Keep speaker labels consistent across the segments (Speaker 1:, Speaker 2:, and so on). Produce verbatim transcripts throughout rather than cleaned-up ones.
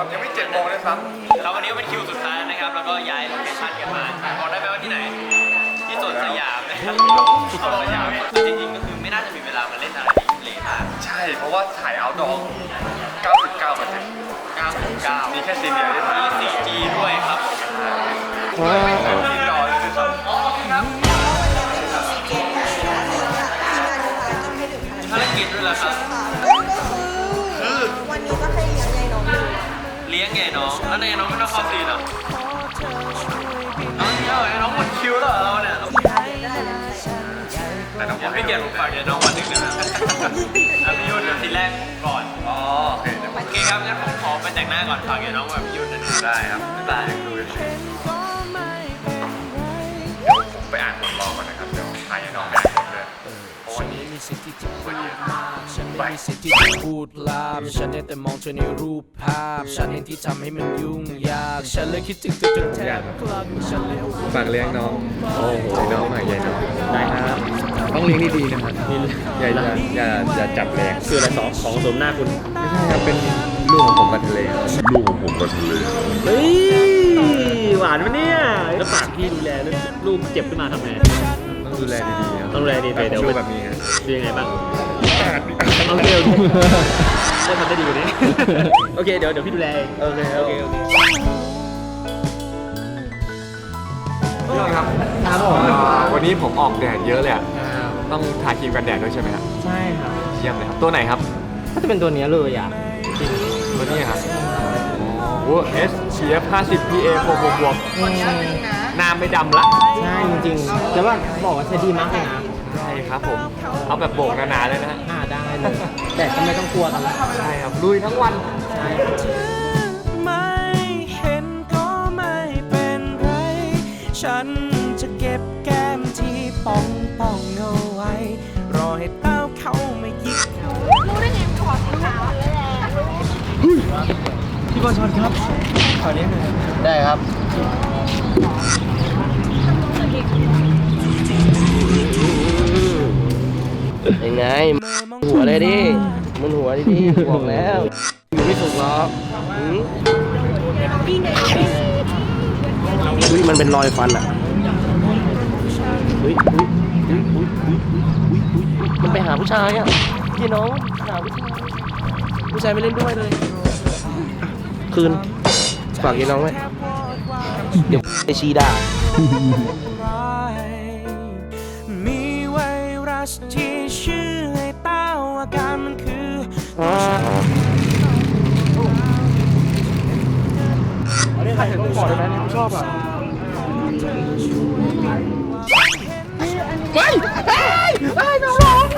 Speaker 1: ยังไม่เจ็ดโมงเลยครับ
Speaker 2: แล้ววันนี้ก็เป็นคิวสุดท้ายนะครับแล้วก็ย้ายโลเคชั่นกันมาบอกได้ไหมว่าที่ไหนที่สวนสยามนะครับสวนสยามจริงๆก็คือไม่น่าจะมีเวลามาเล่นอะไรที่ทะเลมาก
Speaker 1: ใช่เพราะว่าถ่ายเอาท์ดอร์ เก้าสิบเก้าเปอร์เซ็นต์
Speaker 2: เก้าสิบเก้า
Speaker 1: มีแค่ซีนเดียวที่ถ่าย
Speaker 2: มี ซี จี ด้วยครับ
Speaker 1: ไม่ใช่ซีนดอร์เลยครับ
Speaker 2: ภารกิจด้วยเหรอครับ
Speaker 3: คือวันนี้ก็ให้เลี้ยงยายน้องอยู่
Speaker 2: เลี้ยงไงน้องแล้วไงน้องไม่ต้องเข้าซีนเหรอน้องเนี่ยไอ้น้องหมดคิวแล้วเราเนี่ย
Speaker 1: แต่น้อง
Speaker 2: ยังไม่เกียรติฝากเดี๋ยวน้องวันหนึ่งนะแล้วพี่ยุ่นเดี๋ยวทีแรกก่อน
Speaker 1: อ๋อโอเค
Speaker 2: โอเคครับงั้นผมขอไปแต่งหน้าก่อนฝากเดี๋ยวน้องแบบพี่ยุ่นนะ
Speaker 1: ได้ครับบ๊ายบายดูเลยเดี๋ยวผมไปอ่านบทรอก่อนนะครับเดี๋ยวถ่ายให้น้องไปอ่านบทเลยเพราะวันนี้คนเยอะ
Speaker 4: ฉันไม่มีสิทธิ์ที่จะพูดลาบฉันได้แต่มองเธอในรูปภาพฉันเองที่ทำให้มันยุ่งยากฉันเลยคิดถึงเธอจนแทบคลั่งฉันเลย
Speaker 1: ฝากเลี้ยงน้องโอ้โหน้องหน่อยใหญ่น้องได้ครับต้องเลี้ยงดีๆนะครับอย่าอย่าอย่าอย่าจับแรง
Speaker 2: คืออะไรสองของสมหน้าคุณ
Speaker 1: ไม่ใช่ครับเป็นลูกของผมกับทะเลลูกของผมกับทะเล
Speaker 2: เฮ้ยหวานปะเนี่ยแล้วฝากพี่ดูแลลูกเจ็บขึ้นมาทำไง
Speaker 1: ต้องดูแลดีๆ
Speaker 2: ต้องดูแลดีๆเดี๋ยว
Speaker 1: แบบนี้ฮะ
Speaker 2: เป็นยังไงบ้างโอเคโอเคได้ทำได้ดีกว่านี้โอเคเดี๋ยวเดี๋ยวพี่ดูแลเอง
Speaker 1: โอเคโอเคโอเคพี่ครับครับผมวันนี้ผมออกแดดเยอะเลยอ่ะต้องทาครีมกันแดดด้วยใช่ไหมครับ
Speaker 2: ใช่ครับ
Speaker 1: เยี่ยมเลยครับตัวไหนครับ
Speaker 2: ก็จะเป็นตัวนี้เลยอ่ะ
Speaker 1: ตัวนี้ครับโอ้ เอส พี เอฟ ห้าสิบ พี เอ บวกบวกบวกหน้าไม่ดำละ
Speaker 2: ใช่จริงๆแล้วว่าบอกว่าใช้ดีมากเลยนะ
Speaker 1: ใช่ครับผมเอาแบบโบกหนาๆเลยนะฮะ
Speaker 2: อ่าได้เลยแต่ก็ไม่ต้องกลัวกันละ
Speaker 1: ใช่ครับลุยทั้งวัน
Speaker 2: ใช่
Speaker 4: ไม่เห็นก็ไม่เป็นไรฉันจะเก็บแก้มที่ป่องป่องเอาไว้รอให้เต้าเขามายิก
Speaker 3: รู้ได้ไงขอสีขาวเลยแหละ
Speaker 2: พี่บอลชอนครับขอนี้หน่อยได้ครับยังไงหัวเลยดิมันหัวดิดิบอกแล้วอยู่ไม่สุกหรอกอุ้ยมันเป็นรอยฟันอ่ะอุ้ยอุ้ยอุ้ยอุ้ยอุ้ยอุ้ยอุ้ยมันไปหาผู้ชายอ่ะพี่น้องหาผู้ชายผู้ชายไม่เล่นด้วยเลยคืนฝากพี่น้องไว้เดี๋ยวไอชีด่า
Speaker 4: มีไวรัสที่ชื่อให้เต้าอาการมันคือ
Speaker 1: ใครเห็นต้องขอได้ไหมนี่ชอบอ่ะ
Speaker 3: ไปไปไปน้องร้อง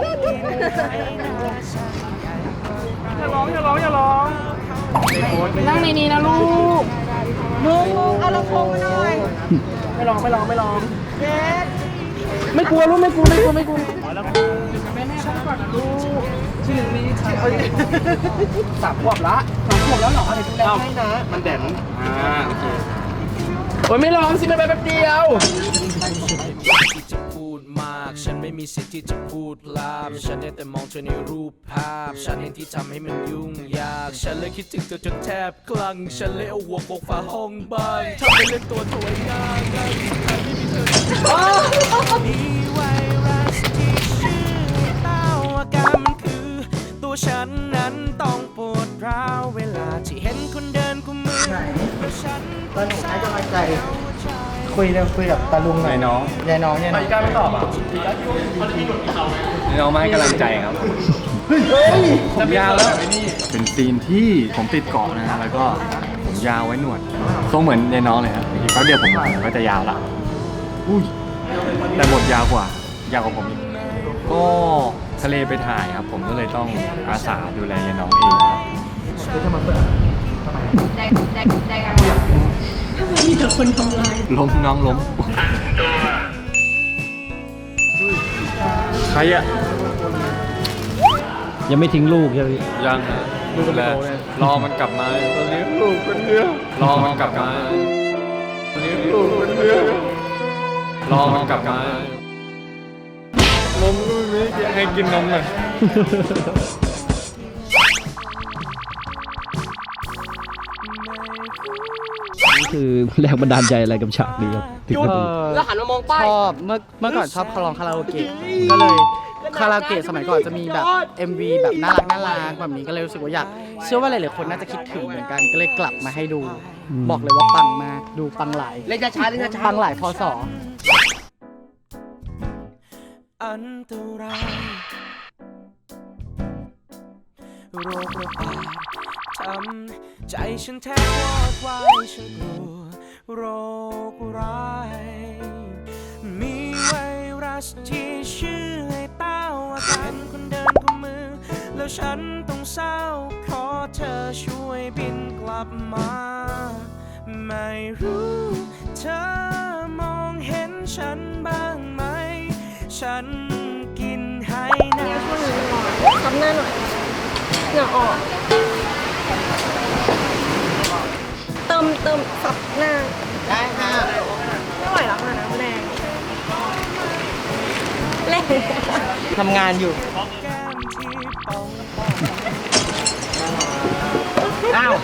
Speaker 1: อย่าร้องอย่าร้องอย่าร้อง
Speaker 3: นั่งในนี้นะลูกลูกเอาลำโพงมาหน่อย
Speaker 2: ไม่ร้องไม่ร้องไม่ร้อง
Speaker 3: เด็ด
Speaker 2: ไม่กลัวลูกไม่กลัวไม่กลัวไม่กลัว
Speaker 3: แม่แม่ฟังก่อนนะลูกชื่อนี้
Speaker 2: สามขวบละ
Speaker 3: สามขวบแล้วเหรอเดี๋ยวดูแลให้นะ
Speaker 2: มันแดนอ่าโอเคโอ้ยไม่ร้องสิไม่ไปแป๊บเดียว
Speaker 4: ที่จะพูดมากฉันไม่มีสิทธิ์ที่จะพูดลาบฉันได้แต่มองเธอในรูปภาพฉันเองที่ทำให้มันยุ่งยากฉันเลยคิดถึงเธอจนแทบคลั่งฉันเลยเอาหัวโขกฝาห้องบ้านทำเป็นเล่นตัวถวยง่ายง่ายที่ใครไม่มีเธอมีไวรัสที่ชื่อเต้าอาการมันคือตัวฉันนั้นต้องปวดร้าวเวลาที่เห็นคนเดินกุมมือฉัน
Speaker 3: ตอนหนูให้กำลังใจคุยเรื่องคุยกับตาลุงหน่อยน้องยายน้องยายน้อง
Speaker 2: อีกาไม่ตอบอ่ะ
Speaker 1: น้องมาให้กำลังใจครับผมยาวแล้วเป็นซีนที่ผมติดเกาะนะแล้วก็ผมยาวไว้หนวดทรงเหมือนยายน้องเลยครับอีกแป๊บเดียวผมก็จะยาวละอุ้ยแต่บทยาวกว่ายาวกว่าผมอีกก็ทะเลไปถ่ายครับผมก็เลยต้องอาสาดูแลยายน้องเองคือถ้ามาเปิด
Speaker 3: ได้ได้ได้กันมีแต่คนทำลาย
Speaker 1: ล้มน้องล้มใครอะ
Speaker 2: ยังไม่ทิ้งลูกใช่ไหม
Speaker 1: ยังลูกแล้วรอมันกลับมาตอนนี้ลูกเป็นเนื้อรอมันกลับมาตอนนี้ลูกเป็นเนื้อรอมันกลับมานมลูกนี้ให้กินนมหน่อย
Speaker 5: นี่คือแรงบันดาลใจอะไรกับฉากนี้ครับถึง
Speaker 2: เอ
Speaker 5: กับ
Speaker 2: อแล้วหันมามองป้าย
Speaker 6: ชอบเมื่อเมื่อก่อนชอบคาร้องคาราโอเกะก็เลยคาราโอเกะสมัยก่อนจะมีแบบ เอ็ม วี แบบน่ารักน่ารักแบบนี้ก็เลยรู้สึกว่าอยากเชื่อว่าหลายๆคนน่าจะคิดถึงเหมือนกันก็เลยกลับมาให้ดู บอกเลยว่าปังมากดูปังหลาย
Speaker 2: เล่นช้าๆเล่นช้า
Speaker 6: ปังหลายพศ
Speaker 4: อันตรายโรคระบาดทำใจฉันแทบวอดวายฉันกลัวโรคร้ายมีไวรัสที่ชื่อให้เต้าอาการคนเดินกุมมือแล้วฉันต้องเศร้าขอเธอช่วยบินกลับมาไม่รู้เธอมองเห็นฉันบ้างไหมฉันกินให้นะ
Speaker 3: ทำหน้าหน่อยเหงื่อออกเติมเติมสับหน้า
Speaker 2: ได้ค่ะ
Speaker 3: ไม่ไหวแล้วค่ะน้ำแรงแรง
Speaker 2: ทำงานอยู่ อ้าว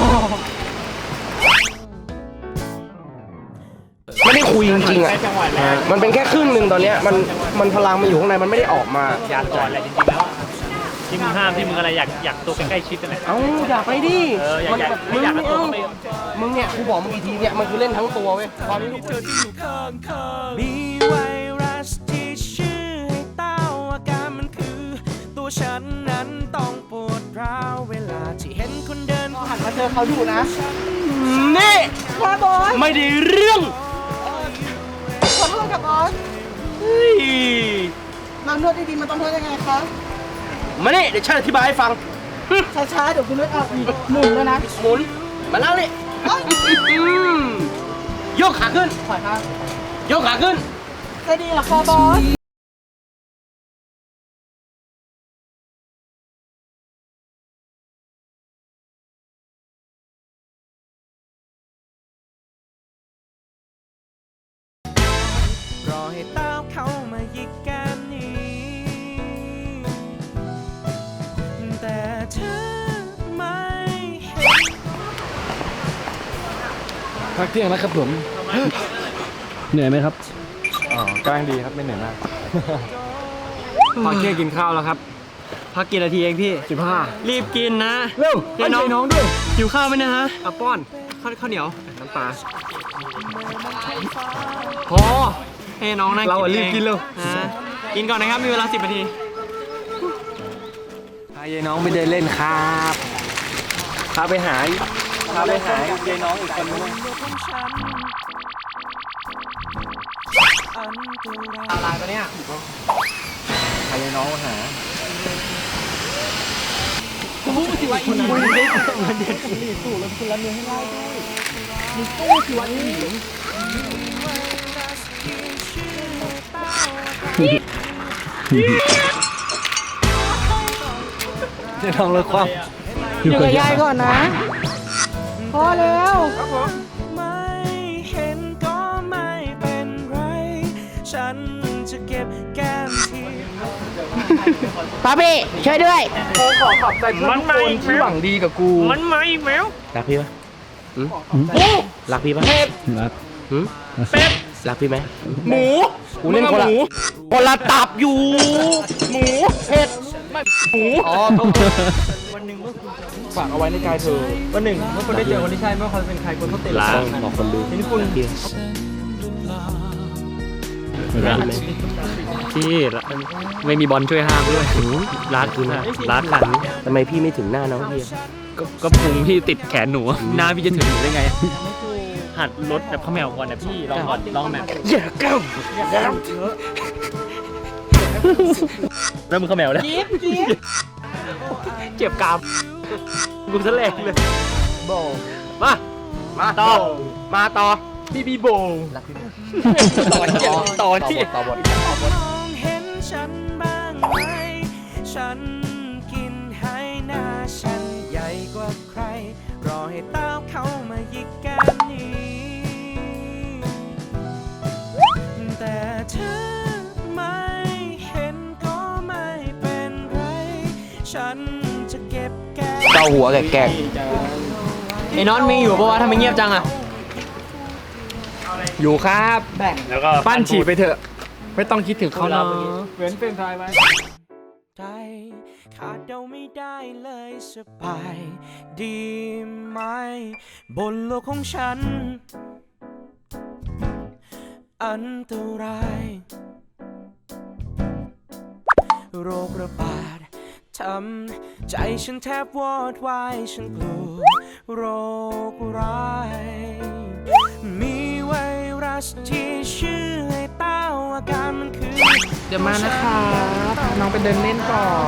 Speaker 2: ไม่ได้คุยจริงๆอ่ะ มันเป็นแค่ครึ่งหนึ่งตอนเนี้ยมันมันพลังมันอยู่ข้างในมันไม่ได้ออกมา
Speaker 7: อยากก่อนแหละจริงๆแล้วอะที่มึงห้ามที่มึงอะไรอยากอยากตัวใกล้ๆชิดนั่นแหละ
Speaker 2: เอ้าอยากไปดิ
Speaker 7: เอออยาก
Speaker 2: มัน
Speaker 7: อยาก
Speaker 2: แบบ
Speaker 7: ไม่อยาก
Speaker 2: มึ
Speaker 7: เอา
Speaker 2: ง
Speaker 7: ตัวเข้าไป
Speaker 2: มึงเนี่ยกูบอกมึงกี่ทีเนี่ยมันคือเล่นทั้งตัวเว้ยตอนนี้ทุกคน
Speaker 4: มีไวรัสที่ชื่อให้เต้าอาการมันคือตัวฉันนั้นต้องปวดร้าวเวลาที่เห็นคนเดิน
Speaker 6: หันมาเจอเขาอยู่นะ
Speaker 2: นี่
Speaker 3: ว่าบอส
Speaker 2: ไม่ได้เรื่อง
Speaker 3: ขอโทษกับบอส
Speaker 2: เฮ้ย
Speaker 6: มานวดดีๆมันต้องนวดยังไงคะ
Speaker 2: มานี่เดี๋ยวฉันอธิบายให้ฟัง
Speaker 6: ช้าๆเดี๋ยวคุณนวดออกอีกหมุนแล้วนะ
Speaker 2: หมุนมาแล้วนี่อืมยกขาขึ้น
Speaker 6: ขวาค่ะ
Speaker 2: ยกขาขึ้น
Speaker 6: จะดีเหรอคะบอส
Speaker 4: รอให้เต้าเข้ามายิกกันนี้แต่เธอไม่เห็น
Speaker 1: พักเที่ยงแล้วครับผม
Speaker 5: เหนื่อยไหมครับ
Speaker 1: อ๋อกำลังดีครับไม่เหนื่อยมาก พักเที่ยงกินข้าวแล้วครับ
Speaker 7: พักกี่นาทีเองพี่
Speaker 1: สิบห้า
Speaker 7: รีบกินนะ
Speaker 1: เร็ว
Speaker 7: เดี๋ยวน้อง
Speaker 1: ให้น้องด้วย
Speaker 7: หิวข้าวไหมนะฮะเอาป้อนข้าวข้าวเหนียว
Speaker 1: น้ำปลา
Speaker 7: พอให้น้องนั่ง
Speaker 1: เราอะ
Speaker 7: อง
Speaker 1: รีบกินเร็ว
Speaker 7: นะกินก่อนนะครับมีเวลาสิบนาที
Speaker 1: พายายน้องไปเดินเล่นครับพาไปหาพาไปหายายน้องอีกคนนึง
Speaker 2: อะไรปะเนี่ย
Speaker 1: พายายน้องมาหา เดี๋ยวน้องเลิกความ
Speaker 6: อยู่กับยายก่อนนะ พอแล้ว
Speaker 4: ไม่เห็นก็ไม่เป็นไร ฉันจะเก็บแก้มที่
Speaker 6: ป้าพี่ช่วยด้วย
Speaker 2: ขอขอบใจเพื่อนทุกคนที่หวังดีกับกู
Speaker 7: มันมาอีกแล้ว
Speaker 2: รักพี่ปะหืมรักพี่ปะ
Speaker 5: รัก
Speaker 2: หืม
Speaker 7: เป็ด
Speaker 2: รักพี่ไหม
Speaker 7: หมู
Speaker 2: กูเล่นคนละคนละตับอยู่ หมูเผ็ดหมูอ๋อฝากเอาไว้ในกายเธอ
Speaker 7: วันหนึ่งเมื่อคุณได้เจอคนที่ใช่ไม่ว่าเขาจะเป็นใครคนต้องติด
Speaker 2: ล้างบอกคนดู
Speaker 7: ทีนี้คุณ
Speaker 5: รัก
Speaker 7: พี่ไม่มีบอลช่วยห้ามด้วยรัดคือรัดขัน
Speaker 2: ทำไมพี่ไม่ถึงหน้าน้องพี่
Speaker 7: ก็ก็พุงพี่ติดแขนหนูหน้าพี่จะถึงหนูได้ไง หัดรถแบบข้าวแมวก่อนนะพี่ลองก่อนลองแบบ
Speaker 2: อย่าก้าวอย่า
Speaker 7: เริ่มมือข้าวแมวแล้วเจ็บกรามกูซะแรงเลย
Speaker 2: โบ
Speaker 7: มา
Speaker 2: มาต่อ มาต่อ
Speaker 7: พี่บีโบต่อที่ต่อที่
Speaker 2: ต่อบท
Speaker 4: มองเห็นฉันบ้างไหม ฉันกินให้หน้าฉันใหญ่กว่าใคร รอให้เต้าเข้ามายิกกันนี้แต่เธอไม่เห็นก็ไม่เป็นไร ฉันจะเก็บแก้ม
Speaker 2: เกาหัวแกก
Speaker 7: ไอ้น็อตมีอยู่ปะวะทำไมเงียบจังอ่ะ
Speaker 1: อยู่ครับ
Speaker 6: แบ่ง
Speaker 7: แล้วก็
Speaker 1: ปั้นฉี่ไปเถอะ ไม่ต้องคิดถึงเขาเนาะ
Speaker 7: เมื่อกี้
Speaker 1: เว้นเป็นทายไว้
Speaker 4: ใจขาดเดาไม่ได้เลยสบายดีไหมบนโลกของฉัน อันตรายโรคระบาดทำใจฉันแทบวอดวายฉันกลัวโรคร้ายมีไวรัสที่ชื่อไอ้เต้าอาการมันคือ
Speaker 6: เดี๋ยวมานะคะพาน้องไปเดินเล่นก่อน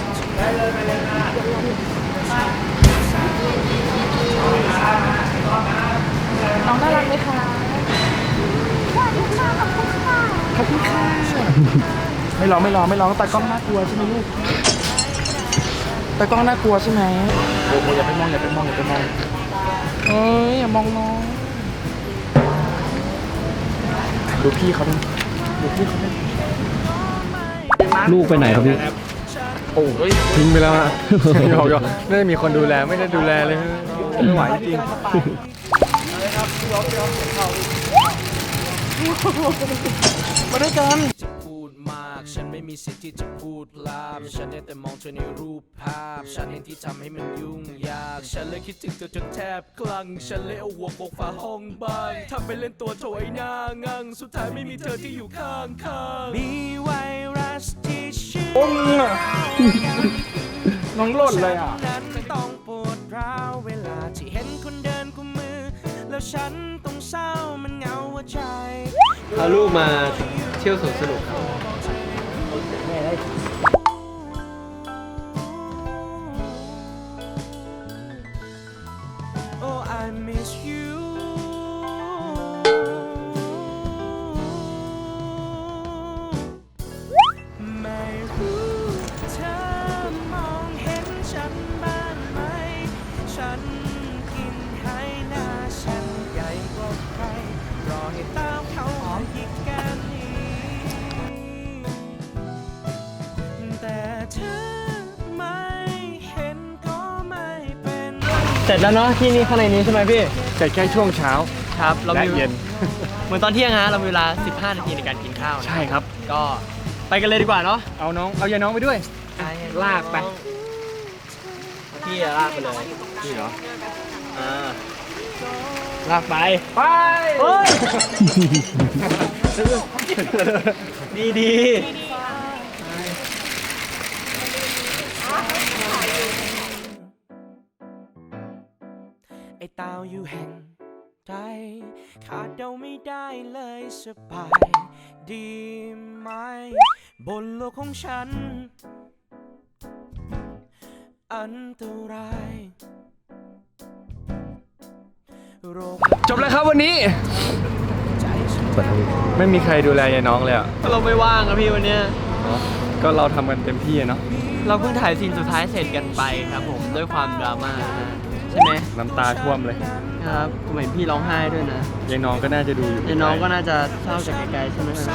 Speaker 6: น้องน่ารักไหมคะขอบคุณค่ะขอบคุณค่ะขอบคุณค่ะ ไม่ร้องไม่ร้องไม่ร้องตากล้องน่ากลัวใช่ไหมลูกตากล้องน่ากลัวใช่ไหมโอ้โหอย่าไปมองอย่าไปมองอย่าไปมองเอ้ยอย่ามองน้องดูพี่เขาดิดูพี่เขาดิ
Speaker 5: ลูกไปไหนครับพี่
Speaker 1: โอ้ยทิ้งไปแล้วอะหยอกหยอกไม่ได้มีคนดูแลไม่ได้ดูแลเลยไม่ไหวจริง
Speaker 6: มาด้วยกัน
Speaker 4: จะพูดมาก ฉันไม่มีสิทธิ์ที่จะพูดลาบฉันได้แต่มองเธอในรูปภาพ ฉันเองที่ทำให้มันยุ่งยาก ฉันเลยคิดถึงเธอจนแทบคลั่ง ฉันเลยเอาหัวโขกฝาห้องบ้านทำไปเล่นตัวโถยหน้างัง สุดท้ายไม่มีเธอที่อยู่ข้างข้างมีไวรัสที่ชื่อ
Speaker 1: น้องหล่นเลยอ่ะ
Speaker 4: นั้นต้องปวดร้าวเวลาที่เห็นคนเดินกุมมือ แล้วฉันต้องเศร้ามันเหงาหัวใจ
Speaker 5: พาลูกมาเที่ยวสวนสนุก
Speaker 4: Oh I miss you ไม่รู้เธอมองเห็นฉันบ้างไหม ฉันกินให้หน้าฉันใหญ่กว่าใคร รอให้ตามเขามาอีกแค่นี้ แต่เธอไม่เห็นก็ไม่เป็นไร
Speaker 7: เสร็จแล้วเนาะที่นี่ข้างในนี้ใช่ไหมพี่
Speaker 1: แต่แค่ช่วงเช้า
Speaker 7: ครับเรา
Speaker 1: และ
Speaker 7: มี
Speaker 1: เย็น
Speaker 7: เหมือนตอนเที่ยงฮะเรามีเวลาสิบห้านาทีในการกินข้าวนะ
Speaker 1: ใช่ครับ
Speaker 7: ก็ไปกันเลยดีกว่าเนาะ
Speaker 1: เอาน้องเอายายน้องไปด้วย ลากไป
Speaker 7: พี่อะลากไปเลย
Speaker 1: นี่เหรอ
Speaker 7: อ่าลากไป
Speaker 1: ไป
Speaker 7: เฮ้ย ดีดี
Speaker 4: ไอ้เต้าอยู่แห่งใดขาดเดาไม่ได้เลยสบายดีไหมบนโลกของฉัน อันตรายโรค
Speaker 1: จบแล้วครับวันนี้
Speaker 4: ใจฉัน
Speaker 1: ไม่มีใครดูแลยายน้องเลยอ่ะ
Speaker 7: เราไม่ว่างอะพี่วันเนี้ย
Speaker 1: ก็เราทำกันเต็มที่อะเนาะ
Speaker 7: เราเพิ่งถ่ายซีนสุดท้ายเสร็จกันไปครับผมด้วยความดราม่านะใช่ไหม
Speaker 1: น้ำตาท่วมเลย
Speaker 7: ครับผมเห็นพี่ร้องไห้ด้วยนะ
Speaker 1: ยายน้องก็น่าจะดูอยู่
Speaker 7: เดี๋ยวน้องก็น่าจะเศร้าจากไกลๆใช่ไหมครับ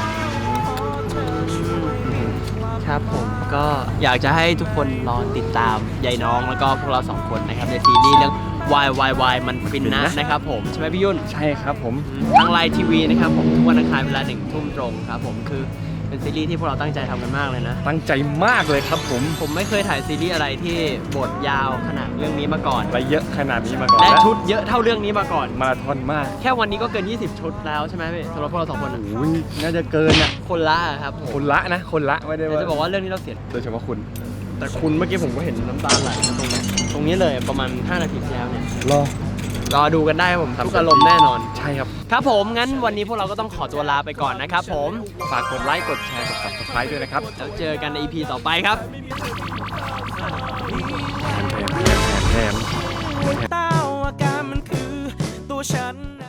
Speaker 7: ครับผมก็อยากจะให้ทุกคนรอติดตามยายน้องแล้วก็พวกเราสองคนนะครับในซีรีส์เรื่อง Why Why Why มันฟินนะนะครับผมใช่ไหมพี่ยุ่น
Speaker 1: ใช่ครับผม
Speaker 7: ทางไลน์ทีวีนะครับผมทุกวันอังคารเวลาหนึ่งทุ่มตรงครับผมคือเป็นซีรีส์ที่พวกเราตั้งใจทำกันมากเลยนะ
Speaker 1: ตั้งใจมากเลยครับผม
Speaker 7: ผมไม่เคยถ่ายซีรีส์อะไรที่บทยาวขนาดเรื่องนี้มาก่อน
Speaker 1: และเยอะขนาดนี้มาก่อน
Speaker 7: และชุดเยอะเท่าเรื่องนี้มาก่อน
Speaker 1: มาราธอนมาก
Speaker 7: แค่วันนี้ก็เกิน ยี่สิบ ชุดแล้วใช่ไหมพี่สำหรับพวกเราสองคนอะ
Speaker 1: โอ้ยน่าจะเกินอ่ะ
Speaker 7: คนละอะครับผม
Speaker 1: คนละนะ คนละไม่ได้
Speaker 7: แต่
Speaker 1: ว่า
Speaker 7: จะบอกว่าเรื่องนี้เราเสีย
Speaker 1: โดยเฉพาะคุณ
Speaker 7: แต่คุณเมื่อกี้ผมก็เห็นน้ำตาไหลนะตรงนี้ตรงนี้เลยประมาณห้านาทีที่แล้วเนี่ย
Speaker 1: รอ
Speaker 7: รอดูกันได้ครับผมทุกอารมณ์แน่นอน
Speaker 1: ใช่ครับ
Speaker 7: ครับผมงั้นวันนี้พวกเราก็ต้องขอตัวลาไปก่อนนะครับผม
Speaker 1: ฝากกดไลค์ กดแชร์ กด subscribe ด้วยนะครับ
Speaker 7: แล้วเจอกันใน อี พี ต่อไปครับ
Speaker 1: แถมแถมแถมแถม
Speaker 4: เต้า